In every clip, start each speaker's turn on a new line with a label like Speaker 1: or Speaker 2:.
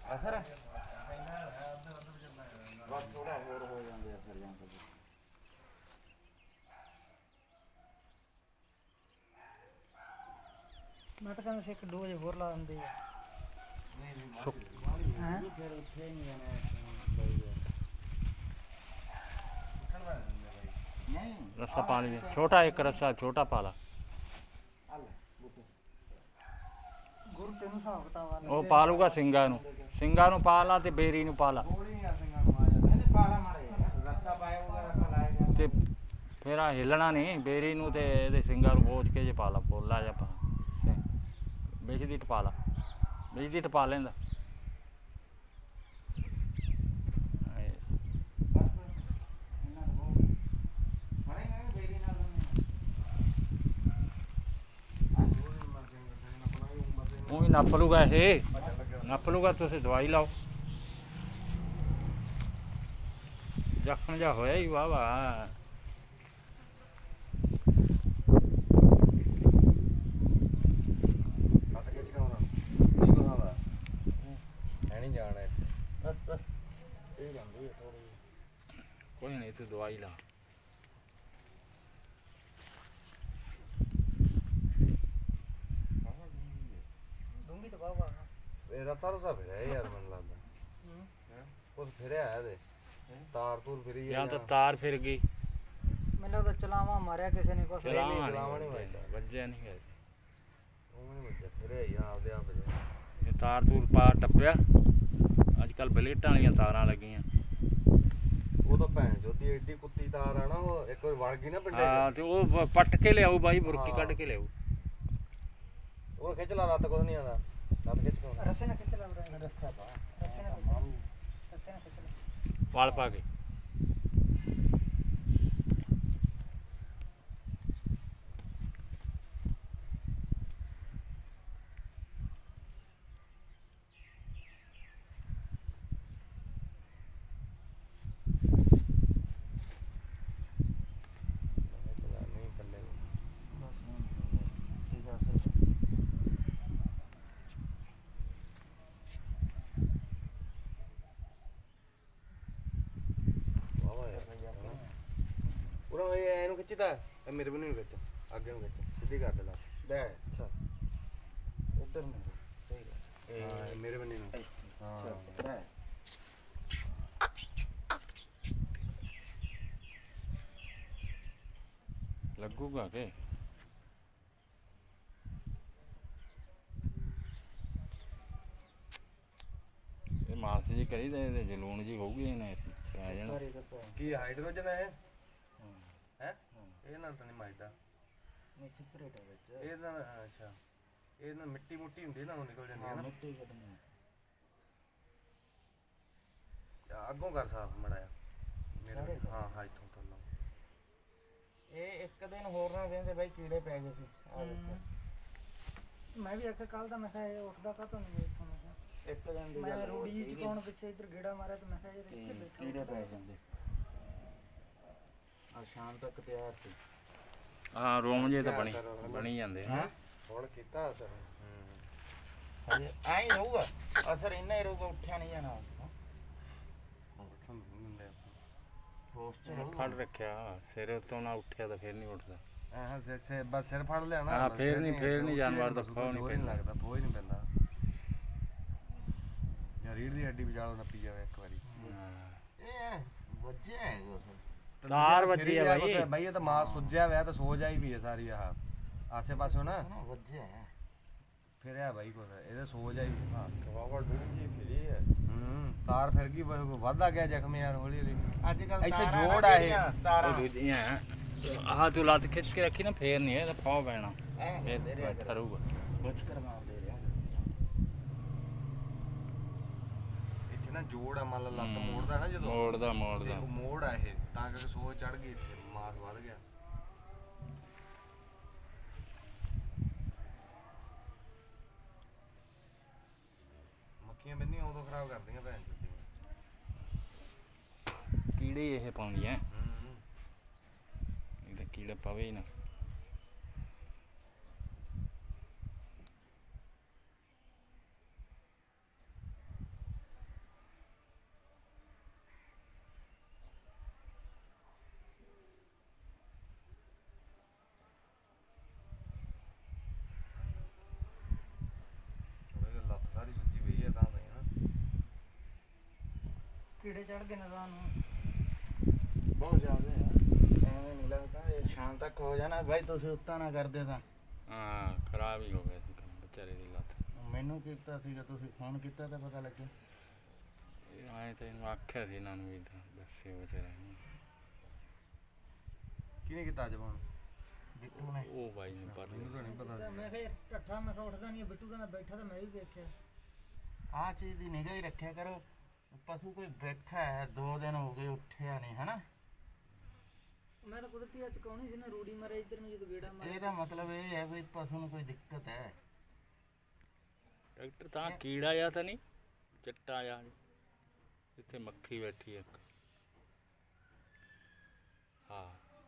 Speaker 1: ਅਸਰ ਬਸ ਥੋੜਾ ਹੋਰ ਹੋ ਜਾਂਦੇ ਆ ਫਿਰ ਜਾਂ
Speaker 2: ਮੈਂ ਤਾਂ ਕਹਿੰਦਾ ਸੀ ਇੱਕ ਡੋਜ਼ ਹੋਰ ਲਾ ਦਿੰਦੇ ਆ।
Speaker 1: ਹੈਂ ਫਿਰ ਉੱਥੇ ਨਹੀਂ ਜਾਣਾ ਨਹੀਂ
Speaker 3: रस्सा पा लीजिए, छोटा एक रस्सा छोटा पाला।
Speaker 2: ਗੁਰ ਤੈਨੂੰ ਹਿਸਾਬ ਕਿਤਾਬ ਆ
Speaker 3: ਉਹ ਪਾ ਲੂਗਾ ਸਿੰਘਾਂ ਨੂੰ ਪਾ ਲਾ ਤੇ ਬੇਰੀ ਨੂੰ ਪਾ ਲਾ
Speaker 1: ਗੋਲੀ ਆ ਸਿੰਘਾਂ ਨੂੰ ਆ ਜਾਂਦਾ ਇਹਨੇ ਪਾਲਾ ਮਾਰੇ ਰੱਸਾ ਪਾਇਆ ਵਗੈਰਾ ਪਲਾਏਗਾ
Speaker 3: ਤੇ ਫਿਰ ਆ ਹਿੱਲਣਾ ਨਹੀਂ ਬੇਰੀ ਨੂੰ ਤੇ ਇਹਦੇ ਸਿੰਘਾਂ ਨੂੰ ਬੋਝ ਕੇ ਜੇ ਪਾ ਲਾ ਪੋਲਾ ਜਾਂ ਪਾ ਵਿੱਚ ਦੀ ਟਪਾ ਲਾ ਵਿੱਚ ਦੀ ਟਪਾ ਲੈਂਦਾ ਉਹ ਹੀ ਨੱਪ ਲੂਗਾ ਇਹ ਨੱਪ ਲੂਗਾ ਤੁਸੀਂ ਦਵਾਈ ਲਾਓ ਜ਼ਖਮ ਜਾ ਹੋਇਆ ਹੀ ਵਾਹ ਵਾਹ ਕੋਈ ਨਹੀਂ ਤੂੰ ਦਵਾਈ ਲਾ
Speaker 2: ਡੂੰਗੀ ਤਾਂ ਬਾਬਾ
Speaker 4: ਇਹ ਰਸਾ ਰਸਾ ਫਿਰਿਆ ਯਾਰ ਮੈਨੂੰ ਲੱਗਦਾ ਉਹ ਫਿਰਿਆ ਇਹਦੇ ਤਾਰ ਤੂਰ ਫਿਰੀ
Speaker 3: ਜਾਂ ਤਾਂ ਤਾਰ ਫਿਰ ਗਈ
Speaker 2: ਮੈਨੂੰ ਲੱਗਦਾ ਚਲਾਵਾ ਮਾਰਿਆ ਕਿਸੇ ਨੇ ਕੁਛ
Speaker 3: ਚਲਾਵਾ ਨਹੀਂ ਵੱਜਿਆ ਨਹੀਂ ਹੈ
Speaker 4: ਉਹ ਨਹੀਂ ਵੱਜਿਆ ਫਿਰਿਆ ਹੀ ਆਪਦੇ ਆਪ ਫਿਰਿਆ
Speaker 3: ਇਹ ਤਾਰ ਤੂਰ ਪਾ ਟੱਪਿਆ ਅੱਜ ਕੱਲ ਬਲੇਟਾਂ ਵਾਲੀਆਂ ਤਾਰਾਂ ਲੱਗੀਆਂ
Speaker 4: ਉਹ ਤਾਂ ਭੈਣ ਚੋਦੀ ਐਡੀ ਕੁੱਤੀ ਤਾਰ ਆ ਨਾ ਉਹ ਇੱਕ ਵਾਰ ਵੜ ਗਈ ਨਾ ਪਿੰਡੇ
Speaker 3: ਹਾਂ ਤੇ ਉਹ ਪੱਟ ਕੇ ਲਿਆਊ ਬਾਈ ਬੁਰਕੀ ਕੱਢ ਕੇ ਲਿਆਊ
Speaker 4: ਉਹ ਖਿੱਚ ਲਾ ਲੱਤ ਕੁਝ ਨਹੀਂ ਆਉਂਦਾ ਲੱਤ ਖਿੱਚ ਕੇ
Speaker 2: ਰਸੇ ਨਾਲ ਕਿੱਥੇ ਲੱਗ ਰਿਹਾ ਰਸਾ ਪਾ ਰਸੇ ਨਾਲ ਕਿੱਥੇ ਲੱਗ
Speaker 3: ਵਾਲ ਪਾ ਕੇ
Speaker 4: ਉਹ ਇਹਨੂੰ ਖਿੱਚਦਾ ਇਹ ਮੇਰੇ ਬੰਨੇ ਨੂੰ ਖਿੱਚ ਅੱਗੇ ਨੂੰ ਖਿੱਚ ਸਿੱਧੀ ਕਰ ਦੇ ਲਾ
Speaker 1: ਲੈ ਅੱਛਾ ਉਧਰ ਨੂੰ ਸਹੀ ਗੱਲ
Speaker 4: ਇਹ ਮੇਰੇ ਬੰਨੇ ਨੂੰ ਹਾਂ
Speaker 1: ਲੈ
Speaker 3: ਲੱਗੂਗਾ ਕਿ ਇਹ ਮਾਸ ਜੀ ਕਰੀ ਤੇ ਇਹਦੇ ਜਲੂਣ ਜੀ ਹੋਊਗੀ ਇਹਨੇ ਪੈ ਜਾਣਾ
Speaker 4: ਕੀ ਹਾਈਡਰੋਜਨ ਹੈ ਹੈ ਇਹ ਨਾਲ ਤਾਂ ਨਹੀਂ ਮੱਚਦਾ
Speaker 1: ਨਹੀਂ ਸਪਰੇਟ ਹੈ ਵਿੱਚ
Speaker 4: ਇਹ ਨਾਲ ਅੱਛਾ ਇਹ ਨਾਲ ਮਿੱਟੀ ਮੁੱਟੀ ਹੁੰਦੀ ਨਾ ਉਹ ਨਿਕਲ ਜਾਂਦੀ ਹੈ ਨਾ
Speaker 1: ਮਿੱਟੀ ਕੱਢਣੀ
Speaker 4: ਅੱਗੋਂ ਕਰ ਸਾਫ ਮੜਾਇਆ ਮੇਰੇ ਹਾਂ ਹਾਂ ਇੱਥੋਂ ਤੋਂ ਲਾ
Speaker 1: ਇਹ ਇੱਕ ਦਿਨ ਹੋਰ ਨਾ ਕਹਿੰਦੇ ਬਾਈ ਕੀੜੇ ਪੈ ਗਏ ਸੀ ਆ ਦੇਖੋ
Speaker 2: ਮੈਂ ਵੀ ਆਖਿਆ ਕੱਲ ਦਾ ਮੈਂ ਕਿਹਾ ਇਹ ਉੱਠਦਾ ਕਾਹਤੋਂ ਨਹੀਂ ਇੱਥੋਂ ਮੈਂ ਕਿਹਾ
Speaker 1: ਇੱਕ ਦਿਨ ਦੀ
Speaker 2: ਮੈਂ
Speaker 1: ਗੱਲ
Speaker 2: ਰੂੜੀ ਜੀ ਚਕਾਉਣ ਪਿੱਛੇ ਇੱਧਰ ਗੇੜਾ ਮਾਰਿਆ ਤੇ ਮੈਂ ਕਿਹਾ ਇਹ ਇੱਥੇ ਬੈਠਾ
Speaker 1: ਕੀੜੇ ਪੈ ਜਾਂਦੇ ਆ ਸ਼ਾਮ ਤੱਕ ਤਿਆਰ ਸੀ
Speaker 3: ਹਾਂ ਰੋਮ ਜੇ ਤਾਂ ਬਣੀ ਜਾਂਦੇ ਆ
Speaker 4: ਹੁਣ ਕੀਤਾ ਅਸਰ
Speaker 1: ਹਜੇ ਐਂ ਹੀ ਰਹੂਗਾ ਅਸਰ ਇੰਨਾ ਹੀ ਰਹੂਗਾ ਉੱਠਿਆ ਨਹੀਂ ਜਾਣਾ ਪੋਸਟਰ
Speaker 3: ਫੜ ਰੱਖਿਆ ਸਿਰ ਤੋਂ ਨਾ ਉੱਠਿਆ ਤਾਂ ਫਿਰ ਨਹੀਂ ਉੱਠਦਾ
Speaker 4: ਹਾਂ ਬਸ ਸਿਰ ਫੜ ਲਿਆ ਨਾ
Speaker 3: ਹਾਂ ਫੇਰ ਨਹੀਂ ਜਾਨਵਰ ਦਾ ਫਾਹ ਨਹੀਂ ਪੈਂਦਾ
Speaker 4: ਲੱਗਦਾ ਬੋਝ ਨਹੀਂ ਪੈਂਦਾ ਯਾਰ ਰੀੜ ਦੀ ਹੱਡੀ ਵਿਚਾਲੋ ਨੱਪੀ ਜਾਵੇ ਇੱਕ ਵਾਰੀ
Speaker 1: ਇਹ ਵੱਜਿਆ ਹੈ ਕੁਛ
Speaker 3: ਤਾਰ ਵੱਜੀ ਆ ਬਾਈ
Speaker 4: ਬਾਈ ਇਹ ਤਾਂ ਮਾਸ ਸੁੱਜਿਆ ਹੋਇਆ ਤਾਂ ਸੋਜ ਆਈ ਵੀ ਹੈ ਸਾਰੀ ਆਹ ਆਸੇ ਪਾਸੇ ਨਾ
Speaker 1: ਵੱਜਿਆ ਹੈ
Speaker 4: ਫਿਰਿਆ ਬਾਈ ਕੁਛ ਇਹਦੇ ਸੋਜ ਆਈ ਹਾਂ
Speaker 1: ਵਾਵਾ ਡੂੰਗੀ ਫਿਰੀ ਹੈ
Speaker 4: ਤਾਰ ਫਿਰ ਗਈ ਵੱਧਦਾ ਗਿਆ ਜ਼ਖਮ ਯਾਰ ਹੌਲੀ ਹੌਲੀ
Speaker 1: ਅੱਜ ਕੱਲ
Speaker 4: ਇੱਥੇ ਜੋੜ ਆ ਇਹ
Speaker 1: ਤਾਰਾਂ
Speaker 3: ਉਹ ਦੂਜੀਆਂ ਆਹ ਤੂੰ ਲੱਤ ਖਿੱਚ ਕੇ ਰੱਖੀ ਨਾ ਫੇਰ ਨਹੀਂ ਇਹਦਾ ਫਾਹ ਪੈਣਾ ਇਹ
Speaker 1: ਦੇ ਰਿਹਾ
Speaker 3: ਕਰੂਗਾ
Speaker 1: ਕੁਛ ਕਰਵਾ ਦੇ ਰਿਹਾ
Speaker 4: ਇੱਥੇ ਨਾ ਜੋੜ ਆ ਮੰਨ ਲਾ ਲੱਤ ਮੋੜਦਾ ਨਾ ਜਦੋਂ
Speaker 3: ਮੋੜਦਾ
Speaker 4: ਤੇ ਉਹ ਮੋੜ ਆ ਇਹ ਤਾਂ ਕਰਕੇ ਸੋਜ ਚੜ ਗਈ ਇੱਥੇ ਮਾਸ ਵੱਧ ਗਿਆ ਮੱਖੀਆਂ ਬੰਨੀਆਂ ਉਦੋਂ ਖਰਾਬ ਕਰਦੀਆਂ ਭੈਣ ਚੋਦੀ
Speaker 3: ਕੀੜੇ ਇਹ ਪਾਉਂਦੀਆਂ ਇਹਦਾ ਕੀੜਾ ਪਵੇ ਹੀ ਨਾ
Speaker 2: ਕੀੜੇ ਚੜ ਗਏ ਨਜ਼ਾਂ ਨੂੰ।
Speaker 1: ਬਹੁਤ ਜ਼ਿਆਦਾ ਹੈ, ਐਵੇਂ ਨਹੀਂ ਲੱਗਦਾ ਇਹ ਸ਼ਾਮ ਤੱਕ ਹੋ ਜਾਣਾ ਬਾਈ, ਤੁਸੀਂ ਉੱਤਾ ਨਾ ਕਰਦੇ ਤਾਂ।
Speaker 3: ਹਾਂ ਖਰਾਬ ਹੀ ਹੋ ਗਿਆ ਸੀ ਕੰਮ ਵਿਚਾਰੇ ਦੀ ਲੱਤ।
Speaker 1: ਮੈਨੂੰ ਕੀਤਾ ਸੀਗਾ, ਤੁਸੀਂ ਫੋਨ ਕੀਤਾ ਤਾਂ ਪਤਾ ਲੱਗਿਆ।
Speaker 3: ਇਹ ਆਏ ਤਾਂ ਇਹਨੂੰ ਆਖਿਆ ਸੀ ਇਹਨਾਂ ਨੂੰ ਵੀ ਤਾਂ ਦੱਸਿਓ ਵਿਚਾਰੇ ਨੂੰ।
Speaker 4: ਕਿਹਨੇ ਕੀਤਾ ਅੱਜ ਫੋਨ?
Speaker 1: ਬਿੱਟੂ ਨੇ।
Speaker 3: ਉਹ ਬਾਈ ਨੂੰ ਪਰ
Speaker 4: ਮੈਨੂੰ ਤਾਂ ਨਹੀਂ ਪਤਾ।
Speaker 2: ਤਾਂ ਮੈਂ ਕਿਹਾ ਯਾਰ ਢੱਠਾ, ਮੈਂ ਕਿਹਾ ਉੱਠਦਾ ਨਹੀਂ, ਬਿੱਟੂ ਕਹਿੰਦਾ ਬੈਠਾ, ਤਾਂ ਮੈਂ ਵੀ ਵੇਖਿਆ।
Speaker 1: ਆਹ ਚੀਜ਼ ਦੀ ਨਿਗਾਹ ਹੀ ਰੱਖਿਆ ਕਰੋ, ਪਸ਼ੂ ਕੋਈ ਬੈਠਾ ਹੈ 2 ਦਿਨ ਹੋ ਗਏ ਉੱਠਿਆ ਨਹੀਂ ਹਨਾ।
Speaker 2: ਮੈਂ ਤਾਂ ਕੁਦਰਤੀ ਅੱਜ ਕੌਣੀ ਸੀ ਨਾ, ਰੂੜੀ ਮਾਰੇ ਇੱਧਰ ਨੂੰ ਜਦੋਂ ਗੇੜਾ ਮਾਰਿਆ।
Speaker 1: ਇਹਦਾ ਮਤਲਬ ਇਹ ਹੈ ਵੀ ਪਸ਼ੂ ਨੂੰ ਕੋਈ ਦਿੱਕਤ ਹੈ।
Speaker 3: ਡਾਕਟਰ ਤਾਂ ਕੀੜਾ ਜਾਂ ਤਾਂ ਨਹੀਂ ਚਿੱਟਾ ਜਾਂ ਇੱਥੇ ਮੱਖੀ ਬੈਠੀ ਹੈ ਇੱਕ। ਹਾਂ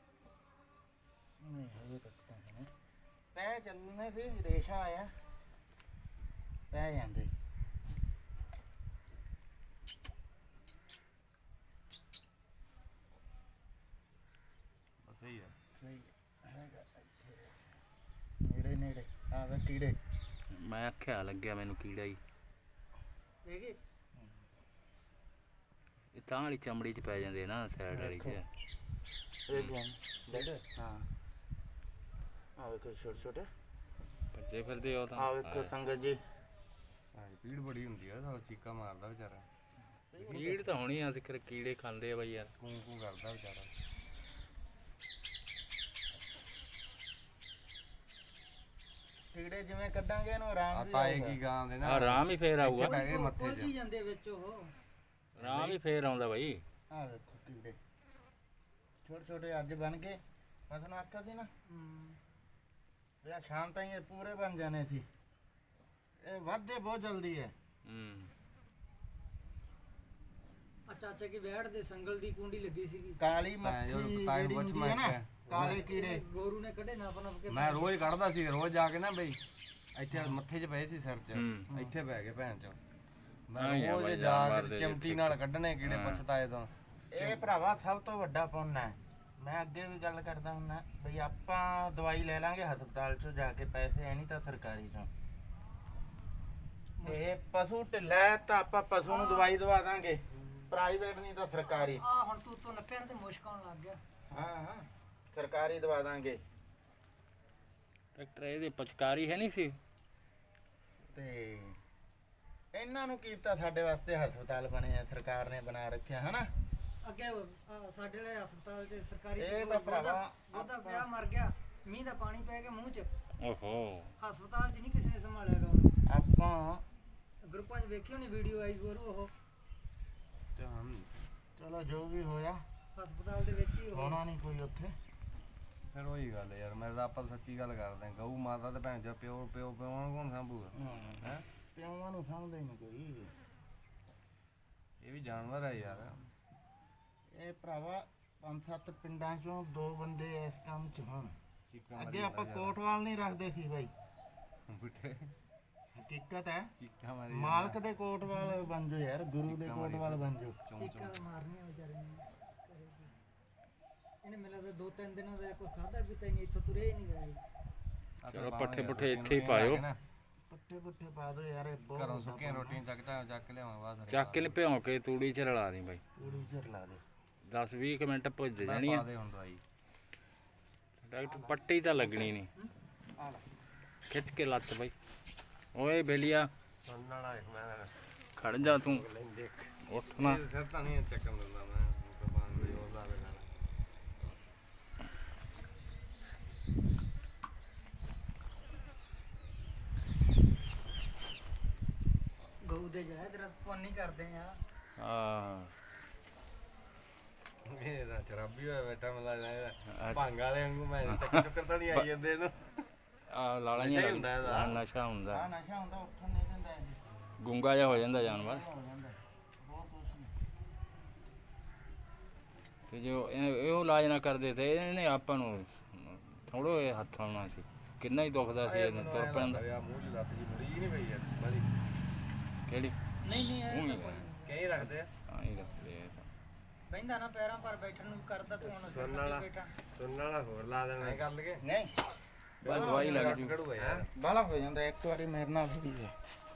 Speaker 1: ਨਹੀਂ ਹਜੇ ਤੱਕ ਤਾਂ ਨਹੀਂ। ਪੈ ਚੱਲਣੇ ਸੀ, ਰੇਸ਼ਾ ਆਇਆ ਪੈ ਜਾਂਦੇ।
Speaker 4: ਸਹੀ ਹੈ।
Speaker 1: ਸਹੀ ਹੈਗਾ ਇੱਥੇ ਨੇੜੇ ਨੇੜੇ ਆਵੇ ਕੀੜੇ।
Speaker 3: ਮੈਂ ਆਖਿਆ ਲੱਗਿਆ ਮੈਨੂੰ ਕੀੜਾ ਹੀ।
Speaker 2: ਹੈਗੇ
Speaker 3: ਇਹ ਤਾਂ ਵਾਲੀ ਚਮੜੀ 'ਚ ਪੈ ਜਾਂਦੇ ਨਾ ਸਾਈਡ ਵਾਲੀ 'ਚ।
Speaker 1: ਇਹ ਗਿਆ ਡੇਢ। ਹਾਂ ਆ ਵੇਖੋ ਛੋਟੇ ਛੋਟੇ
Speaker 3: ਭੱਜੇ ਫਿਰਦੇ ਉਹ ਤਾਂ।
Speaker 1: ਆ ਵੇਖੋ ਸੰਗਤ ਜੀ,
Speaker 4: ਹਾਂ ਪੀੜ ਬੜੀ ਹੁੰਦੀ ਆ, ਸਾਲਾ ਚੀਕਾ ਮਾਰਦਾ ਵਿਚਾਰਾ।
Speaker 3: ਕੀੜ ਤਾਂ ਹੋਣੀ ਆ, ਸਿੱਖਰ ਕੀੜੇ ਖਾਂਦੇ ਆ ਬਈ ਯਾਰ।
Speaker 4: ਕੂੰ ਕੂੰ ਕਰਦਾ ਵਿਚਾਰਾ।
Speaker 1: ਕੀੜੇ ਜਿਵੇਂ ਕੱਢਾਂਗੇ ਇਹਨੂੰ ਆਰਾਮ
Speaker 4: ਆ
Speaker 1: ਵੀ
Speaker 4: ਤਾਏ
Speaker 1: ਆਊਗਾ।
Speaker 4: ਕੀ ਗਾਂ ਦੇ ਨਾ
Speaker 3: ਆਰਾਮ ਹੀ ਫੇਰ ਆਊਗਾ।
Speaker 4: ਪੈ ਗਏ ਮੱਥੇ
Speaker 2: ਉਲਝ
Speaker 4: 'ਚ।
Speaker 2: ਹੀ ਜਾਂਦੇ ਵਿੱਚ ਉਹ।
Speaker 3: ਆਰਾਮ ਹੀ ਫੇਰ ਆਉਂਦਾ ਬਈ।
Speaker 1: ਆ ਵੇਖੋ ਕੀੜੇ ਛੋਟੇ ਛੋਟੇ ਅੱਜ ਬਣ ਗਏ। ਮੈਂ ਤੁਹਾਨੂੰ ਆਖਿਆ ਸੀ ਨਾ ਵੀ ਆਹ ਸ਼ਾਮ ਤਾਈਂ ਇਹ ਪੂਰੇ ਬਣ ਜਾਣੇ ਸੀ। ਇਹ ਵੱਧਦੇ ਬਹੁਤ ਜਲਦੀ ਹੈ।
Speaker 3: ਹੂੰ
Speaker 2: ਆ ਚਾਚਾ ਕੀ ਵੈੜ ਦੇ ਸੰਗਲ ਦੀ ਕੁੰਡੀ ਲੱਗੀ ਸੀਗੀ।
Speaker 1: ਕਾਲੀ
Speaker 4: ਭੈਣ ਚੋਦ
Speaker 1: ਮੱਖੀ
Speaker 4: ਤਾਏ
Speaker 1: ਜਿਹੜੀ
Speaker 4: ਪੁੱਛ
Speaker 1: ਹੁੰਦੀ ਹੈ ਨਾ,
Speaker 4: ਮੈਂ
Speaker 1: ਕਾਲੇ ਕੀੜੇ।
Speaker 2: ਗੋਰੂ ਨੇ ਕੱਢੇ ਨੱਪ ਨੱਪ ਕੇ।
Speaker 4: ਮੈਂ ਰੋਜ਼ ਕੱਢਦਾ ਸੀ, ਰੋਜ਼ ਜਾ ਕੇ ਨਾ ਬਈ ਇੱਥੇ ਮੱਥੇ 'ਚ ਪਏ ਸੀ ਸਿਰ 'ਚ,
Speaker 3: ਹੂੰ।
Speaker 4: ਇੱਥੇ ਪੈ ਗਏ ਭੈਣ ਚੋ। ਮੈਂ
Speaker 3: ਹਾਂ ਯਾਰ
Speaker 4: ਰੋਜ਼
Speaker 3: ਬਾਈ,
Speaker 4: ਜਾ
Speaker 3: ਜਾਨਵਰ
Speaker 4: ਕੇ
Speaker 3: ਦੇ
Speaker 4: ਚਿਮਟੀ
Speaker 3: ਜਿੱਥੇ-
Speaker 4: ਨਾਲ ਕੱਢਣੇ ਕੀੜੇ
Speaker 3: ਹਾਂ।
Speaker 4: ਪੁੱਛਤਾਏ ਤੋਂ।
Speaker 1: ਇਹ ਭਰਾਵਾ ਸਭ ਤੋਂ ਵੱਡਾ ਪੁੰਨ ਹੈ। ਮੈਂ ਅੱਗੇ ਵੀ ਗੱਲ ਕਰਦਾ ਹੁੰਦਾ ਬਈ ਆਪਾਂ ਦਵਾਈ ਲੈ ਲਾਂਗੇ ਹਸਪਤਾਲ ਚੋਂ ਜਾ ਕੇ ਪੈਸੇ, ਐ ਨਹੀਂ ਤਾਂ ਸਰਕਾਰੀ ਚੋਂ। ਤੇ ਪਸ਼ੂ ਢਿੱਲਾ ਹੈ ਤਾਂ ਆਪਾਂ ਪਸ਼ੂ ਨੂੰ ਦਵਾਈ ਦਵਾ ਦਾਂਗੇ, ਪ੍ਰਾਈਵੇਟ ਨਹੀਂ ਤਾਂ ਸਰਕਾਰੀ।
Speaker 2: ਆ ਹੁਣ ਤੂੰ ਤੋਂ ਨੱਪਿਆ ਤੇ ਮੁਸ਼ਕ ਆਉਣ ਲੱਗ ਗਿਆ।
Speaker 1: ਹਾਂ ਹਾਂ ਸਰਕਾਰੀ ਦਵਾ ਦਾਂਗੇ।
Speaker 3: ਡਾਕਟਰ ਇਹਦੇ ਪਚਕਾਰੀ ਹੈ ਨਹੀਂ ਸੀ।
Speaker 1: ਤੇ ਇਹਨਾਂ ਨੂੰ ਕੀ ਪਤਾ ਸਾਡੇ ਵਾਸਤੇ ਹਸਪਤਾਲ ਬਣੇ ਆ, ਸਰਕਾਰ ਨੇ ਬਣਾ ਰੱਖਿਆ ਹਨਾ।
Speaker 2: ਅੱਗੇ ਸਾਡੇ ਵਾਲੇ ਹਸਪਤਾਲ 'ਚ ਸਰਕਾਰੀ
Speaker 1: ਇਹ ਤਾਂ ਭਰਾਵਾ
Speaker 2: ਉਹਦਾ ਵਿਆਹ ਮਰ ਗਿਆ, ਮੀਂਹ ਦਾ ਪਾਣੀ ਪੈ ਗਿਆ ਮੂੰਹ 'ਚ।
Speaker 3: ਓਹੋ
Speaker 2: ਹਸਪਤਾਲ 'ਚ ਨਹੀਂ ਕਿਸੇ ਨੇ ਸੰਭਾਲਿਆਗਾ ਉਹਨੂੰ।
Speaker 1: ਆਪਾਂ
Speaker 2: ਗਰੁੱਪਾਂ 'ਚ ਵੇਖੀ ਹੋਣੀ ਵੀਡੀਓ ਆਈ ਗੁਰੂ, ਉਹ
Speaker 4: ਤੇ ਹਮ
Speaker 1: ਚਲੋ ਜੋ ਵੀ ਹੋਇਆ
Speaker 2: ਹਸਪਤਾਲ ਦੇ ਵਿੱਚ ਹੀ ਉਹ।
Speaker 1: ਹੋਣਾ ਨਹੀਂ ਕੋਈ ਉੱਥੇ।
Speaker 4: ਫਿਰ ਉਹੀ ਗੱਲ ਯਾਰ, ਮੈਂ ਤਾਂ ਆਪਾਂ ਸੱਚੀ ਗੱਲ ਕਰਦੇ ਹਾਂ। ਗਊ ਮਾਤਾ ਤੇ ਭੈਣ ਚੋ ਪਿਓ ਪਿਓ ਪਿਓ ਨੂੰ ਕੌਣ ਸਾਂਭੂਗਾ? ਹੈ
Speaker 1: ਪਿਓਾਂ ਨੂੰ ਸਮਝਦਾ ਹੀ ਨਹੀਂ ਕੋਈ।
Speaker 4: ਇਹ ਵੀ ਜਾਨਵਰ ਹੈ ਯਾਰ।
Speaker 1: ਇਹ ਭਰਾਵਾ 5-7 ਪਿੰਡਾਂ ਚੋਂ 2 ਬੰਦੇ ਇਸ ਕੰਮ 'ਚ ਹੋਣ।
Speaker 4: ਚੀਕਾਂ ਮਾਰੀ
Speaker 1: ਅੱਗੇ ਆਪਾਂ
Speaker 4: ਜਾਂਦਾ
Speaker 1: ਕੋਟਵਾਲ ਨਹੀਂ ਰੱਖਦੇ ਸੀ ਬਾਈ,
Speaker 4: ਯਾਰ। ਬੁੱਢੇ
Speaker 1: ਹਕੀਕਤ ਹੈ।
Speaker 4: ਚੀਕਾਂ ਮਾਰੀ
Speaker 1: ਮਾਲਕ ਦੇ ਕੋਟਵਾਲ ਬਣ ਜਾਓ ਯਾਰ, ਗੁਰੂ ਦੇ ਕੋਟਵਾਲ ਬਣ ਜਾਓ।
Speaker 2: ਚੀਕਾਂ ਮਾਰਨੀਆਂ ਵਿਚਾਰੇ ਨੇ। ਇਹਨੇ ਮੈਨੂੰ ਲੱਗਦਾ 2-3 ਦਿਨਾਂ ਦਾ ਕੋਈ ਖਾਦਾ ਪੀਤਾ ਹੀ ਨਹੀਂ, ਇੱਥੋਂ ਤੁਰੇ ਹੀ ਨਹੀਂ ਗਏ।
Speaker 3: ਚਲੋ ਪੱਠੇ ਪੁੱਠੇ ਇੱਥੇ ਹੀ ਪਾਇਓ।
Speaker 1: ਪੱਠੇ ਪੁੱਠੇ ਪਾ ਦਿਓ ਯਾਰ, ਇਹ ਬਹੁਤ
Speaker 4: ਘਰੋਂ ਸੁੱਕੀਆਂ ਰੋਟੀਆਂ ਚੱਕ ਕੇ ਲਿਆਵਾਂ ਬਾਅਦ
Speaker 3: ਚੱਕ ਕੇ ਭਿਉਂ ਕੇ ਤੂੜੀ 'ਚ ਰਲਾ ਦੀ ਬਾਈ।
Speaker 1: ਪੂਰੀ ਚਿਰ ਲਾ ਦੇ।
Speaker 3: 10-20 ਮਿੰਟ ਭੁੱਜ ਜਾਣੀ ਆ।
Speaker 4: ਦੇ ਹੁਣ ਦਵਾਈ
Speaker 3: ਡਾਕਟਰ ਪੱਟੀ ਤਾਂ ਲੱਗਣੀ ਨਹੀਂ।
Speaker 1: ਆ ਲੈ
Speaker 3: ਖਿੱਚ ਕੇ ਲੱਤ ਬਾਈ। ਓਏ ਬੇਲੀਆ
Speaker 4: ਸੁਣਨ ਵਾਲਾ ਮੈਂ
Speaker 3: ਖੜ ਜਾ ਤੂੰ,
Speaker 4: ਲੈਂਦੇ
Speaker 3: ਉੱਠ ਨਾ।
Speaker 4: ਸਿਰ ਤਾਂ ਨਹੀਂ ਚੱਕਣ ਦਿੰਦਾ ਮੈਂ, ਜ਼ਬਾਨ ਦੀ ਉਹ ਲਾਵੇ ਨਾਲ।
Speaker 2: ਗਊ ਦੇ ਜਾਏ ਤੇਰਾ ਪੁੰਨ ਹੀ ਕਰਦੇ ਆ।
Speaker 3: ਆ
Speaker 4: ਇਹ ਤਾਂ ਸ਼ਰਾਬੀ ਹੋਇਆ ਬੈਠਾ ਮੈਨੂੰ ਲੱਗਦਾ ਇਹਦਾ ਭੰਗ ਵਾਲੇ ਵਾਂਗੂ। ਮੈਂ ਚੱਕਰ ਤਾਂ ਨਹੀਂ ਆਈ ਜਾਂਦੇ ਇਹਨੂੰ।
Speaker 3: ਆ ਲਾਲਾ
Speaker 4: ਨਸ਼ਾ ਹੀ ਹੁੰਦਾ ਇਹਦਾ।
Speaker 3: ਨਸ਼ਾ ਹੁੰਦਾ।
Speaker 1: ਆ ਨਸ਼ਾ ਹੁੰਦਾ, ਉੱਠਣ ਨਹੀਂ ਦਿੰਦਾ ਇਹ।
Speaker 3: ਗੁੰਗਾ ਜਿਹਾ ਹੋ ਜਾਂਦਾ ਜਾਨਵਰ।
Speaker 1: ਹੋ ਜਾਂਦਾ ਬਹੁਤ ਕੁਛ ਨਹੀਂ।
Speaker 3: ਤੇ ਜੋ ਇਹੋ ਇਲਾਜ ਨਾ ਕਰਦੇ ਤੇ ਇਹਨੇ ਆਪਾਂ ਨੂੰ ਥੋੜੋ ਇਹ ਹੱਥ ਆਉਣਾ ਸੀ। ਕਿੰਨਾ ਹੀ ਦੁਖਦਾ ਸੀ ਇਹਨੂੰ ਤੁਰ ਪੈਂਦਾ।
Speaker 4: ਆ ਮੂੰਹ ਚ ਲੱਤ ਜੀ ਮੁੜੀ ਨਹੀਂ ਪਈ ਯਾਰ ਬਾਦੀ।
Speaker 3: ਕਿਹੜੀ
Speaker 2: ਨਹੀਂ ਨਹੀਂ
Speaker 3: ਉਹ
Speaker 2: ਇਹ
Speaker 3: ਹੀ
Speaker 2: ਤਾਂ
Speaker 4: ਕਈ ਰੱਖਦੇ ਆ।
Speaker 3: ਹਾਂ ਹੀ ਰੱਖਦੇ ਆ ਇਹ ਤਾਂ।
Speaker 2: ਬਹਿੰਦਾ ਨਾ ਪੈਰਾਂ ਪਰ ਬੈਠਣ ਨੂੰ ਕਰਦਾ, ਤੂੰ ਹੁਣ
Speaker 4: ਸੁਣਨ ਵਾਲਾ।
Speaker 2: ਬੈਠਾ।
Speaker 4: ਸੁਣਨ ਵਾਲਾ ਹੋਰ ਲਾ ਦੇਣਾ। ਐ ਕਰ ਲਗੇ
Speaker 1: ਨਹੀਂ
Speaker 3: ਬਸ ਦਵਾਈ ਲੱਗ ਜੂ।
Speaker 4: ਕੜੂਗਾ ਯਾਰ।
Speaker 1: ਬਾਲਾ ਹੋ ਜਾਂਦਾ ਇੱਕ ਵਾਰੀ ਮੇਰੇ ਨਾਲ ਵੀ ਹੈ।